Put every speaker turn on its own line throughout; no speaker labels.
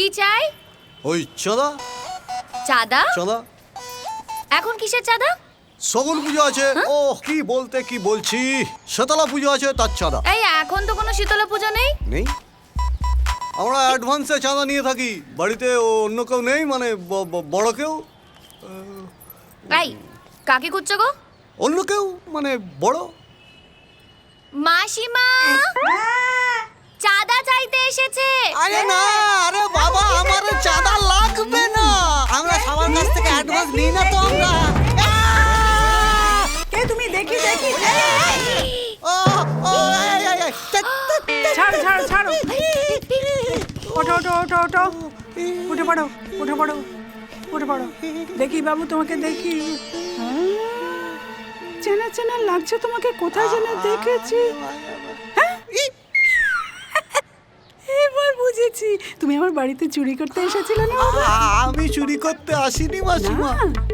কি চাই?
ওই চাঁদা।
চাঁদা?
চাঁদা
এখন কিসের চাঁদা?
সগুন পুজো আছে। ও কি বলতে কি বলছি, শীতলা পুজো আছে, তার চাঁদা।
এই এখন তো কোনো শীতলা পুজো নেই।
নেই? আমরা অ্যাডভান্সে চাঁদা নিয়ে থাকি। বাড়িতে অন্য কেউ নেই, মানে বড় কেউ?
এই কাকে খুঁজছো গো?
অন্য কেউ মানে বড়?
মাসিমা চাঁদা চাইতে এসেছে।
আরে না, আরে বাবা, আমার চাঁদা লাগবে না। আমরা সবার কাছ থেকে অ্যাডভান্স নিই না তো আমরা।
কে তুমি? দেখি দেখি।
ও ও
ছাড়ো ছাড়ো ছাড়ো। ওঠো ওঠো ওঠো ওঠো, উঠে পড়ো উঠে পড়ো উঠে পড়ো। দেখি বাবু, তোমাকে দেখি। চেনা চেনা লাগছে তোমাকে, কোথায় যেন দেখেছি। হ্যাঁ? এবার বুঝেছি, তুমি আমার বাড়িতে চুরি করতে এসেছিলে না বাবা?
আমি চুরি করতে আসিনি মাসিমা।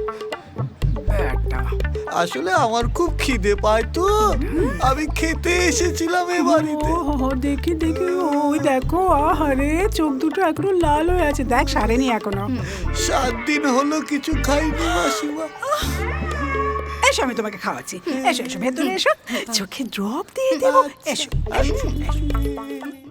আসলে আমার খুব খিদে পায় তো, আমি খেতে এসেছিলাম এ বাড়িতে।
ও দেখি দেখি, ওই দেখো, আহারে চোখ দুটো এখনো লাল হয়ে আছে। দেখ, সারেনি এখনো।
7 দিন হলো কিছু খাইনি মাসিমা।
এসো, আমি তোমাকে খাওয়াচ্ছি। এসো এসো, ভেতরে এসো, চোখে ড্রপ দিয়ে দেবো। এসো এসো এসো।